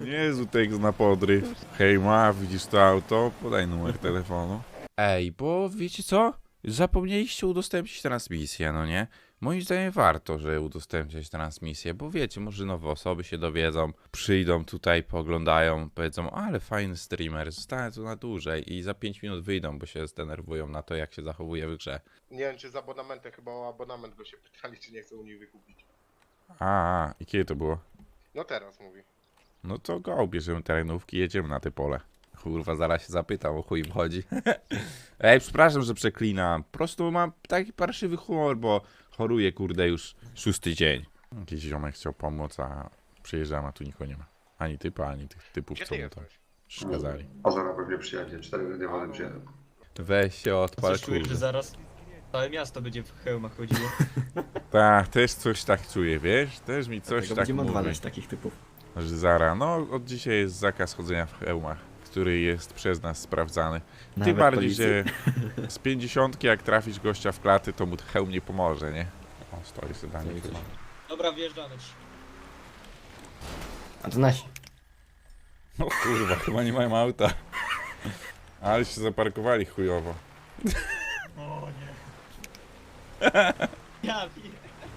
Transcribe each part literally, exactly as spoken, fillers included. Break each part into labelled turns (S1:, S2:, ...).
S1: Niezły tekst na podryw. Hej ma, widzisz to auto? Podaj numer telefonu. Ej, bo wiecie co? Zapomnieliście udostępnić transmisję, no nie? Moim zdaniem warto, że udostępniać transmisję, bo wiecie, może nowe osoby się dowiedzą, przyjdą tutaj, pooglądają, powiedzą, ale fajny streamer, zostanę tu na dłużej i za pięć minut wyjdą, bo się zdenerwują na to, jak się zachowuje w grze.
S2: Nie wiem, czy z abonamentem, chyba o abonament go się pytali, czy nie chce u nich wykupić.
S1: A, a, i kiedy to było?
S2: No teraz mówi.
S1: No to go, bierzemy terenówki, jedziemy na te pole. Kurwa, zaraz się zapytam, o chuj im chodzi. Ej, przepraszam, że przeklinam. Po prostu mam taki parszywy humor, bo choruję, kurde, już szósty dzień. Jakiś ziomek chciał pomóc, a przyjeżdżam, a tu nikogo nie ma. Ani typa, ani tych typów,
S2: Gdzie
S1: co
S2: ty
S1: mu to
S2: jesteś?
S1: przeszkadzali.
S3: A zaraz pewnie przyjadzie, cztery dywany przyjadą.
S1: Weź się odpal,
S4: Coś czuję, że
S1: kurde.
S4: zaraz całe miasto będzie w hełmach chodziło.
S1: Tak, też coś tak czuję, wiesz? Też mi coś
S5: Dlatego
S1: tak
S5: będziemy
S1: mówi.
S5: odwalać takich typów.
S1: Że zara, no od dzisiaj jest zakaz chodzenia w hełmach, który jest przez nas sprawdzany. Tym
S5: Nawet
S1: bardziej,
S5: policji.
S1: że z pięćdziesiątki jak trafisz gościa w klaty, to mu hełm nie pomoże, nie? O, stoi sedanie
S5: Stoi
S1: chyba.
S4: Dobra, wjeżdżamy ci.
S5: A to nasi.
S1: No kurwa, chyba nie mają auta. Ale się zaparkowali chujowo.
S4: O nie. Ja wiem.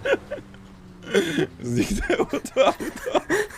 S1: Zniknęło to auto.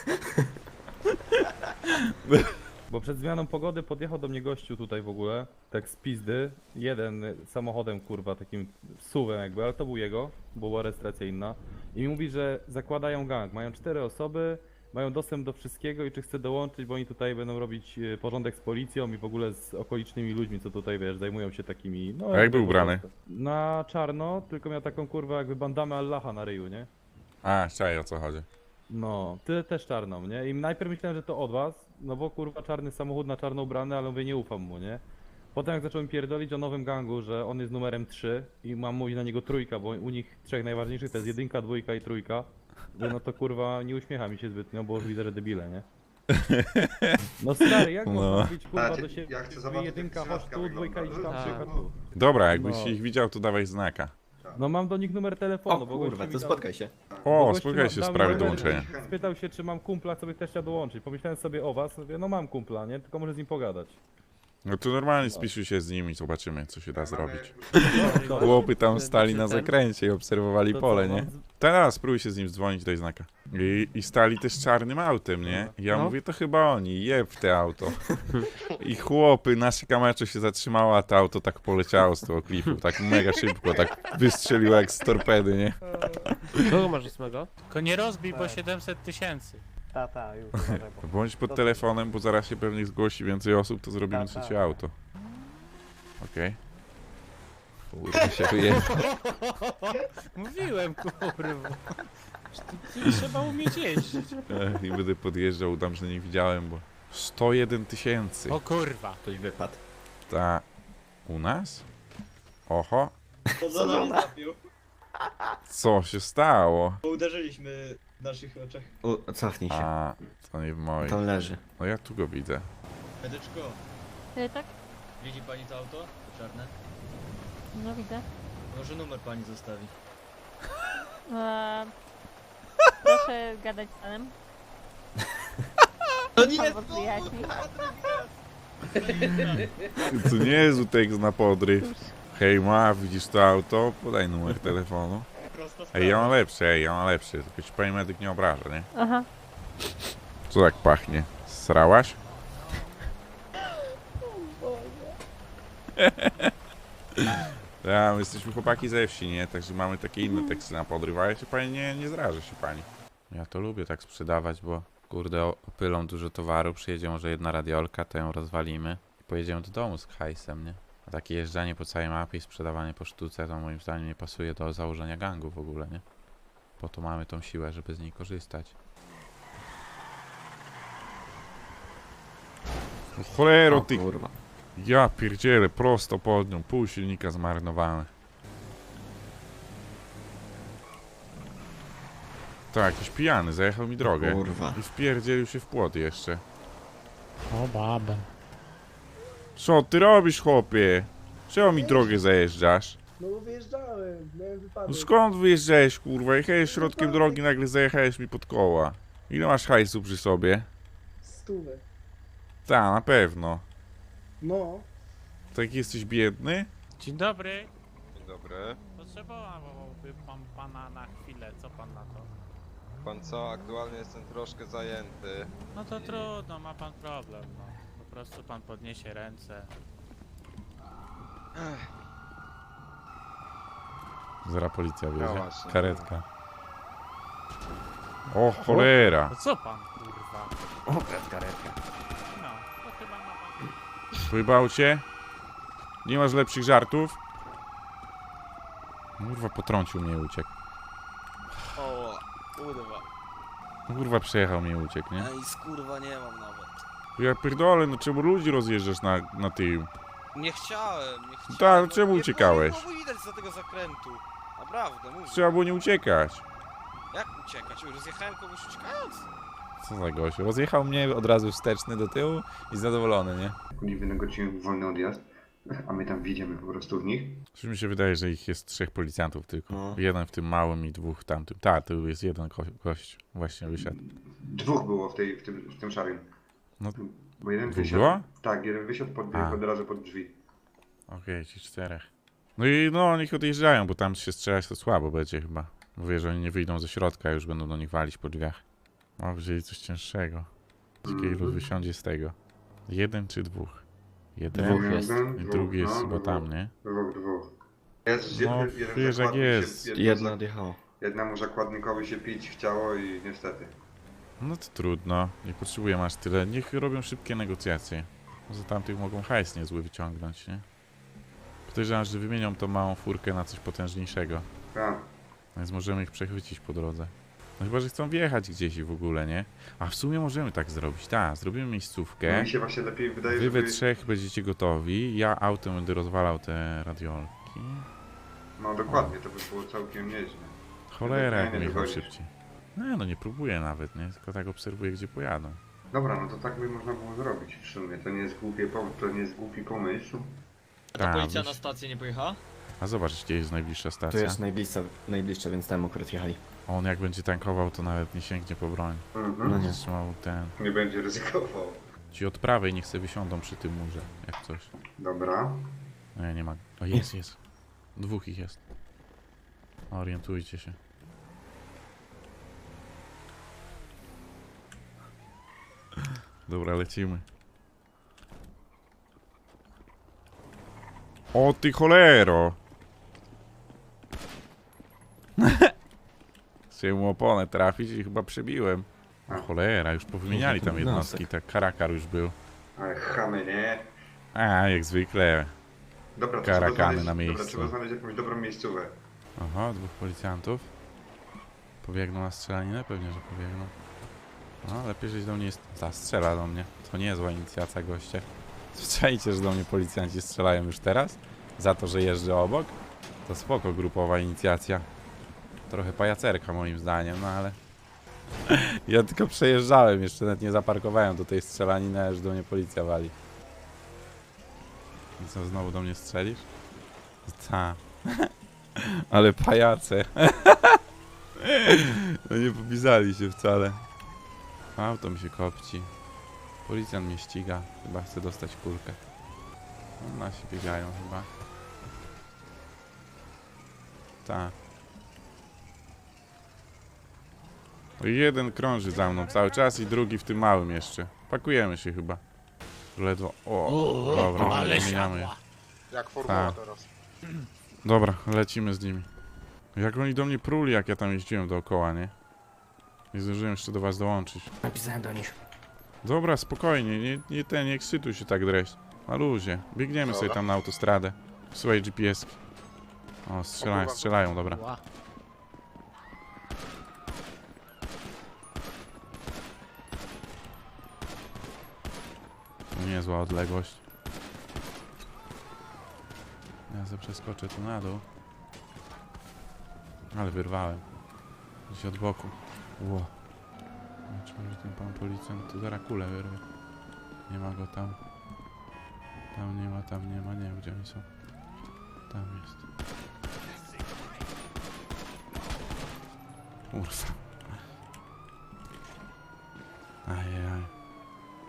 S6: Bo przed zmianą pogody podjechał do mnie gościu tutaj w ogóle, tak z pizdy, jeden samochodem kurwa, takim suwem jakby, ale to był jego, bo była rejestracja inna. I mi mówi, że zakładają gang, mają cztery osoby, mają dostęp do wszystkiego i czy chce dołączyć, bo oni tutaj będą robić e, porządek z policją i w ogóle z okolicznymi ludźmi, co tutaj wiesz, zajmują się takimi... No,
S1: A jak
S6: jakby
S1: był
S6: po
S1: ubrany?
S6: prostu. Na czarno, tylko miał taką kurwa jakby bandamę Allaha na ryju, nie?
S1: A, czaj, o co chodzi.
S6: No, ty też czarną, nie? I najpierw myślałem, że to od was, no bo kurwa czarny samochód na czarno ubrany, ale mówię, nie ufam mu, nie? Potem jak zacząłem pierdolić o nowym gangu, że on jest numerem trzy i mam mówić na niego trójka, bo u nich trzech najważniejszych to jest jedynka, dwójka i trójka, no to kurwa nie uśmiecha mi się zbytnio, bo już widzę, że debile, nie? No stary, jak
S1: No.
S6: można mówić kurwa
S3: Znaczy,
S6: do siebie,
S3: ja chcę
S6: wy
S3: zobaczyć,
S6: jedynka
S3: jak
S6: chodź
S3: trzynaska
S6: tu, dwójka idź
S3: wygląda.
S6: tam,
S4: Tak.
S6: trójka tu.
S1: Dobra, jakbyś
S6: No.
S1: ich widział, to dawaj znaka.
S6: No mam do nich numer telefonu,
S5: O
S6: bo
S5: kurwa,
S6: gościu mi
S5: to
S6: dał-
S5: spotkaj się.
S6: Bo
S1: O,
S6: gościu
S1: spotkaj się w
S6: dał mi
S1: sprawie
S6: numer,
S1: dołączenia.
S6: Spytał się, czy mam kumpla, co by też chciał dołączyć. Pomyślałem sobie o was, mówię, no mam kumpla, nie? Tylko może z nim pogadać.
S1: No to normalnie spisuj się z nimi i zobaczymy, co się da zrobić.
S6: No,
S1: Chłopy tam stali na zakręcie i obserwowali
S6: to
S1: pole,
S6: co,
S1: nie?
S6: mam z-
S1: Teraz spróbuj się z nim dzwonić, daj znaka. I, I stali też czarnym autem, nie? Ja
S5: No.
S1: mówię, to chyba oni, jeb w te auto. I chłopy, nasze kamerze się zatrzymało, a to auto tak poleciało z tego klifu, tak mega szybko, tak wystrzeliło jak z torpedy, nie?
S7: Kogo masz ósmego?
S8: Tylko nie rozbij, bo siedemset tysięcy.
S7: Ta, ta, już. uważaj, bo-
S1: Bądź pod telefonem, bo zaraz się pewnie zgłosi więcej osób, to zrobimy
S7: Tak,
S1: trzecie
S7: tak.
S1: auto. Okej. Kurwa się wyjechał.
S8: Mówiłem, kurwa. Tu trzeba umieć jeździć.
S1: I będę podjeżdżał, udam, że nie widziałem, bo... sto jeden tysięcy.
S8: O kurwa.
S5: Ktoś wypadł.
S1: Ta... U nas? Oho.
S4: To za nami trafił,
S1: Co się stało?
S4: bo uderzyliśmy w naszych oczach.
S5: U, cofnij się.
S1: A, to nie w moim.
S5: Tam leży.
S1: No ja tu go widzę.
S4: Medyczko,
S9: E, tak?
S4: widzi pani to auto? Czarne?
S9: No widzę.
S4: Może numer pani zostawi.
S9: E, proszę gadać z panem.
S4: To nie
S9: Pan
S4: jest
S9: was wyjaśni.
S1: To nie jest tekst na podryw. Hej ma, widzisz to auto? Podaj numer telefonu.
S4: prosto
S1: Ej, ja mam lepszy, ej, ja mam lepszy. Tylko ci pani medyk nie obraża, nie?
S9: Aha.
S1: Co tak pachnie? Srałaś? Ja, my jesteśmy chłopaki ze wsi, nie? Także mamy takie inne teksty na podryw, ale się pani nie, nie zraża się pani. Ja to lubię tak sprzedawać, bo kurde o- opylą dużo towaru, przyjedzie może jedna radiolka, to ją rozwalimy i pojedziemy do domu z hajsem, nie? A takie jeżdżanie po całej mapie i sprzedawanie po sztuce to moim zdaniem nie pasuje do założenia gangu w ogóle, nie? Po to mamy tą siłę, żeby z niej korzystać. No cholero
S5: O
S1: ty!
S5: kurwa.
S1: Ja pierdzielę, prosto pod nią, pół silnika zmarnowane. Tak, jakiś pijany, zajechał mi drogę.
S5: Kurwa.
S1: I wpierdzielił się w płot jeszcze.
S8: O babę.
S1: Co ty robisz, chłopie? Czemu mi drogę zajeżdżasz?
S7: No bo wyjeżdżałem, miałem wypadek.
S1: No skąd wyjeżdżałeś, kurwa? Jechałeś środkiem drogi, nagle zajechałeś mi pod koła. Ile masz hajsu przy sobie?
S7: stówę.
S1: Ta, na pewno.
S7: No.
S1: Tak jesteś biedny?
S8: Dzień dobry.
S5: Dzień dobry.
S8: Potrzebowałby pan pana na chwilę, co pan na to?
S5: Pan co? Aktualnie jestem troszkę zajęty.
S8: No to trudno, ma pan problem, no. Po prostu pan podniesie ręce.
S1: Zaraz policja
S5: No
S1: wjedzie.
S5: właśnie.
S1: Karetka. O cholera!
S8: No co pan, kurwa?
S7: O, karetka.
S8: No, to chyba ma pan...
S1: Pojebał cię? Nie masz lepszych żartów? Kurwa, potrącił mnie i uciekł.
S10: O, kurwa.
S1: Kurwa, przejechał mnie i uciekł, nie?
S10: Ej, skurwa nie mam nawet.
S1: Ja pierdolę, no czemu ludzi rozjeżdżasz na, na tył?
S10: Nie chciałem, nie chciałem.
S1: Tak,
S10: no,
S1: czemu
S10: nie
S1: uciekałeś?
S10: było- Nie było widać za tego zakrętu. Naprawdę, mówię.
S1: Trzeba było nie uciekać.
S10: Jak uciekać? Rozjechałem kogoś uciekając?
S1: Co za gość? Rozjechał mnie od razu wsteczny do tyłu i zadowolony, nie?
S3: Oni wynegocjują wolny odjazd, a my tam wjedziemy po prostu w nich.
S1: Coś mi się wydaje, że ich jest trzech policjantów tylko.
S10: No.
S1: Jeden w tym małym i dwóch w tamtym. Tak, tu jest jeden ko gość. Właśnie wysiadł.
S3: Dwóch było w, tej, w, tym, w tym szarym.
S1: No.
S3: Bo jeden
S1: Dwóch
S3: wysiadł.
S1: było?
S3: Tak, jeden wysiadł pod,
S1: A.
S3: od razu pod drzwi.
S1: Okej, ci czterech. No i no, niech odjeżdżają, bo tam się strzelać to słabo będzie chyba. Mówię, że oni nie wyjdą ze środka, już będą do nich walić po drzwiach. O, wzięli coś cięższego. Ciekawe, ilu wysiądzie z tego. Jeden czy dwóch? Jeden
S3: Dwóch jest.
S1: i drugi jest
S3: no,
S1: chyba
S3: dwóch.
S1: tam, nie?
S3: Dwóch, dwóch. Jest,
S1: No,
S3: jeden, jeden
S1: wiesz, jak
S3: zakładnik
S1: jest.
S3: Się,
S10: Jedna
S3: za-
S10: odjechała.
S3: jednemu zakładnikowi się pić chciało i niestety.
S1: No to trudno, nie potrzebuję aż tyle. Niech robią szybkie negocjacje. Za tamtych mogą hajs niezły wyciągnąć, nie? Podejrzewam, że wymienią tą małą furkę na coś potężniejszego.
S3: Tak.
S1: Więc możemy ich przechwycić po drodze. No chyba, że chcą wjechać gdzieś i w ogóle, nie? A w sumie możemy tak zrobić. Tak, zrobimy
S3: No
S1: miejscówkę.
S3: mi się właśnie lepiej wydaje,
S1: Wy we
S3: żeby...
S1: trzech będziecie gotowi. Ja autem będę rozwalał te radiolki.
S3: No dokładnie, to by było całkiem nieźle.
S1: Cholera, jak
S3: Nie, nie
S1: jechał
S3: dogonisz.
S1: szybciej. No, no nie próbuję nawet, nie? Tylko tak obserwuję, gdzie pojadą.
S3: Dobra, no to tak by można było zrobić w sumie. To nie jest głupie pom- to nie jest głupi pomysł.
S4: Ta
S1: Tak,
S4: policja
S1: weź-
S4: na stację nie pojechała?
S1: A zobacz, gdzie jest najbliższa
S10: Tu
S1: stacja.
S10: jest najbliższa, najbliższa, więc tam akurat jechali.
S1: On jak będzie tankował, to nawet nie sięgnie po broń.
S3: Mhm.
S10: No nie.
S1: Trzymał ten...
S3: Nie będzie ryzykował.
S1: Ci od prawej niech se wysiądą przy tym murze, jak coś.
S3: Dobra.
S1: Nie, nie ma. O, jest, jest. Dwóch ich jest. Orientujcie się. Dobra, lecimy. O ty cholero! Chciałem mu oponę trafić i chyba przebiłem. O cholera, już powymieniali tam jednostki, tak karakar już był.
S3: Ale chamy, nie?
S1: A, jak zwykle.
S3: Dobra, to
S1: Karakany
S3: trzeba znaleźć,
S1: na miejscu.
S3: Dobra, trzeba znaleźć jakąś dobrą miejscówę.
S1: Aha, dwóch policjantów. Pobiegną na strzelaninę? Pewnie, że pobiegną. No, lepiej, żeś do mnie jest... Ta, strzela do mnie. To nie jest zła inicjacja, goście. Słyszeliście, że do mnie policjanci strzelają już teraz? Za to, że jeżdżę obok? To spoko, grupowa inicjacja. Trochę pajacerka moim zdaniem, no ale... Ja tylko przejeżdżałem, jeszcze nawet nie zaparkowałem do tej strzelaniny, a już do mnie policja wali. I co, znowu do mnie strzelisz? Ta. Ale pajace. No nie popisali się wcale. Auto mi się kopci. Policjant mnie ściga. Chyba chce dostać kulkę. No, nasi biegają chyba. Tak. No i jeden krąży za mną cały czas i drugi w tym małym jeszcze. Pakujemy się chyba. Ledwo. O, dobra,
S8: ale
S1: zmieniamy.
S8: siadła.
S2: Jak formuła
S1: Tak.
S2: teraz.
S1: Dobra, lecimy z nimi. Jak oni do mnie pruli, jak ja tam jeździłem dookoła, nie? Nie zdążyłem jeszcze do was dołączyć.
S7: Napisałem do nich.
S1: Dobra, spokojnie, nie, nie ten, nie ekscytuj się tak dreść. Na luzie. Biegniemy sobie
S2: Dobra.
S1: tam na autostradę. Słuchaj G P S. O, strzelają, strzelają, dobra.
S8: Ła.
S1: Niezła odległość. Ja sobie przeskoczę tu na dół. Ale wyrwałem. Gdzieś od boku. Ło. Zobaczymy, że ten pan policjant tu zaraz kulę wyrwie. Nie ma go tam. Tam nie ma, tam nie ma, nie wiem gdzie oni są. Tam jest. Kurwa. Ajajaj.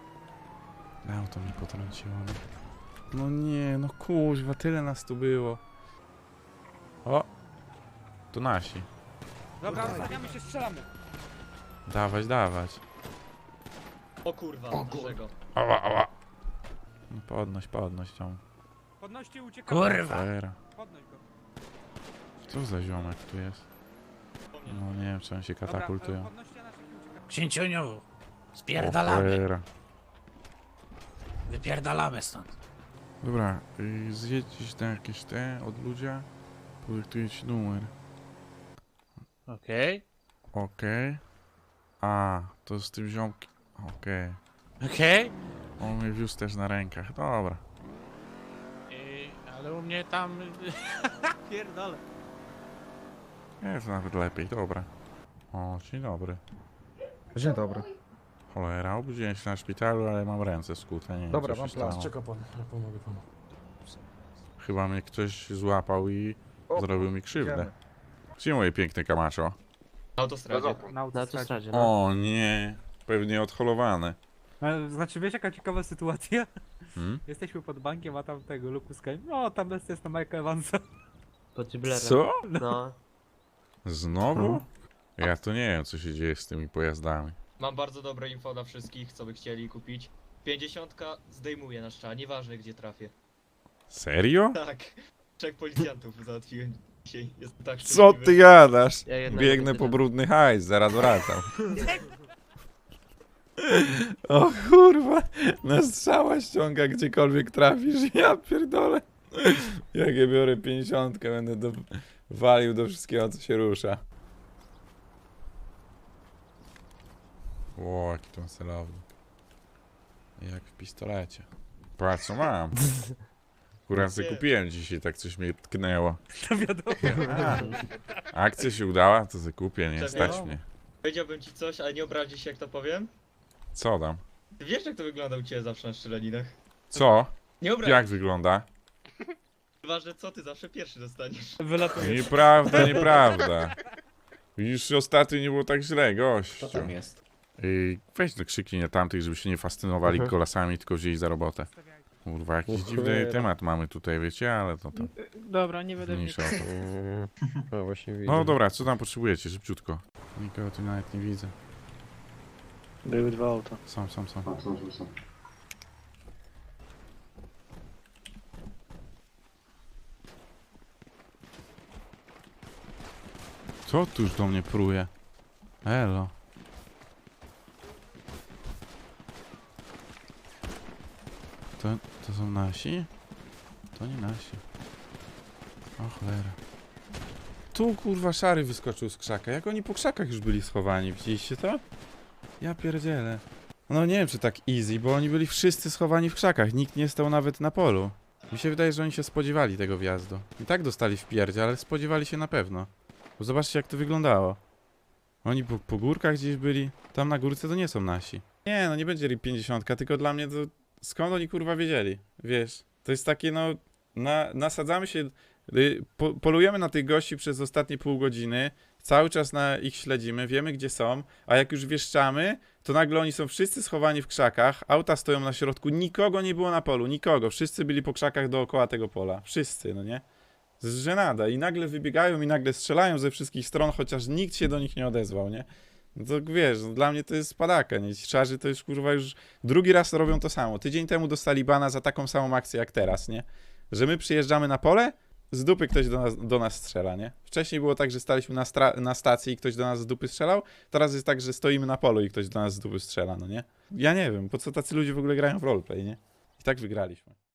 S1: Auto mi potrąciło, no. No nie, no kuźwa, tyle nas tu było. O! Tu nasi.
S7: Dobra, ustawiamy się, strzelamy.
S1: Dawać, dawać.
S4: O kurwa, dlaczego?
S1: Ała, ała. No podnoś, podnoś tą.
S7: Podnoście, uciekamy.
S8: Kurwa!
S1: Fera.
S7: Podnoś go.
S1: Co za ziomek tu jest? No nie wiem, czy on się
S7: Dobra,
S1: katapultują.
S7: podnoście naszych i uciekamy.
S8: Księciuniu!
S1: O,
S8: Spierdalamy!
S1: cholera.
S8: Wypierdalamy stąd.
S1: Dobra, y, zjedź gdzieś na jakieś te od ludzia. Podyktuję ci numer.
S8: Okej.
S1: Okej. A, to z tym ziomkiem. Okej.
S8: Okej.
S1: On mnie wiózł też na rękach. Dobra.
S8: I- Ale u mnie tam... Pierdolę.
S1: Jest nawet lepiej, dobra. O, dzień dobry.
S7: Dzień dobry.
S1: Cholera, obudziłem się na szpitalu, ale mam ręce skute, nie wiem,
S7: Dobra,
S1: co
S7: mam
S1: się
S7: plan.
S1: stało.
S7: Czeka pan, ja pomogę panu.
S1: Chyba mnie ktoś złapał i
S7: O,
S1: zrobił mi krzywdę.
S7: idziemy.
S1: Gdzie moje piękne Kamacho?
S4: Na autostradzie.
S7: Na autostradzie.
S1: O nie, pewnie odholowane.
S7: Znaczy, wiesz jaka ciekawa sytuacja?
S1: Hmm?
S7: Jesteśmy pod bankiem, a tam tego Lukuska. No, tam jest, jest na Michael Evansa.
S1: Co?
S7: No.
S1: Znowu? Ja to nie wiem, co się dzieje z tymi pojazdami.
S4: Mam bardzo dobre info dla wszystkich, co by chcieli kupić. pięćdziesiątka zdejmuje na szcza, nieważne gdzie trafię.
S1: Serio?
S4: Tak, trzech policjantów załatwiłem dzisiaj. Jest tak
S1: Co
S4: szczęśliwy.
S1: ty gadasz? Biegnę po brudny hajs, zaraz wracam. O kurwa, na strzała ściąga gdziekolwiek trafisz, ja pierdolę. Jak ja biorę pięćdziesiątkę, będę do, walił do wszystkiego, co się rusza. Ło, jaki to celownik. Jak w pistolecie. Patrz, co mam. Akurat sobie kupiłem dzisiaj, tak coś mnie tknęło.
S7: To wiadomo.
S1: Akcja się udała, to sobie kupię, nie
S4: Czekaj.
S1: stać mnie.
S4: Powiedziałbym ci coś, ale nie obrazi się jak to powiem.
S1: Co tam?
S4: Ty wiesz jak to wygląda u ciebie zawsze na szczelaninach?
S1: Co?
S4: Nie obrazi.
S1: Jak wygląda?
S4: Ważne co, ty zawsze pierwszy dostaniesz.
S7: Wylatuje.
S1: Nieprawda, nieprawda. Już ostatnio nie było tak źle, gościu.
S10: Co tam jest?
S1: Ej, weź no krzyknij na tamtych, żeby się nie fascynowali kolasami, tylko wzięli za robotę. Kurwa, jakiś dziwny temat mamy tutaj, wiecie, ale to tam
S8: Dobra, nie będę
S1: mniejsza o to.
S10: No właśnie widzę.
S1: No dobra, co tam potrzebujecie, szybciutko. Nikogo tu nawet nie widzę.
S8: Były dwa auta.
S1: Są, są, są.
S3: A, są, są, są.
S1: Co tu już do mnie pruje? Elo. To, to są nasi? To nie nasi. O cholera. Tu kurwa szary wyskoczył z krzaka. Jak oni po krzakach już byli schowani, widzieliście to? Ja pierdzielę. No nie wiem czy tak easy, bo oni byli wszyscy schowani w krzakach. Nikt nie stał nawet na polu. Mi się wydaje, że oni się spodziewali tego wjazdu. I tak dostali w pierdzie, ale spodziewali się na pewno. Bo zobaczcie jak to wyglądało. Oni po, po górkach gdzieś byli. Tam na górce to nie są nasi. Nie, no nie będzie R I P pięćdziesiąt, tylko dla mnie to... Skąd oni kurwa wiedzieli? Wiesz, to jest takie no... Na, nasadzamy się... y, Po, polujemy na tych gości przez ostatnie pół godziny. Cały czas na ich śledzimy, wiemy gdzie są. A jak już wieszczamy, to nagle oni są wszyscy schowani w krzakach. Auta stoją na środku, nikogo nie było na polu, nikogo. Wszyscy byli po krzakach dookoła tego pola. Wszyscy, no nie? Z żenada. I nagle wybiegają i nagle strzelają ze wszystkich stron, chociaż nikt się do nich nie odezwał, nie? No to wiesz, no dla mnie to jest padaka, nie? Ci szarzy to już kurwa już drugi raz robią to samo. Tydzień temu dostali bana za taką samą akcję jak teraz, nie? Że my przyjeżdżamy na pole, z dupy ktoś do nas, do nas strzela, nie? Wcześniej było tak, że staliśmy na, stra- na stacji i ktoś do nas z dupy strzelał, teraz jest tak, że stoimy na polu i ktoś do nas z dupy strzela, no nie? Ja nie wiem, po co tacy ludzie w ogóle grają w roleplay, nie? I tak wygraliśmy.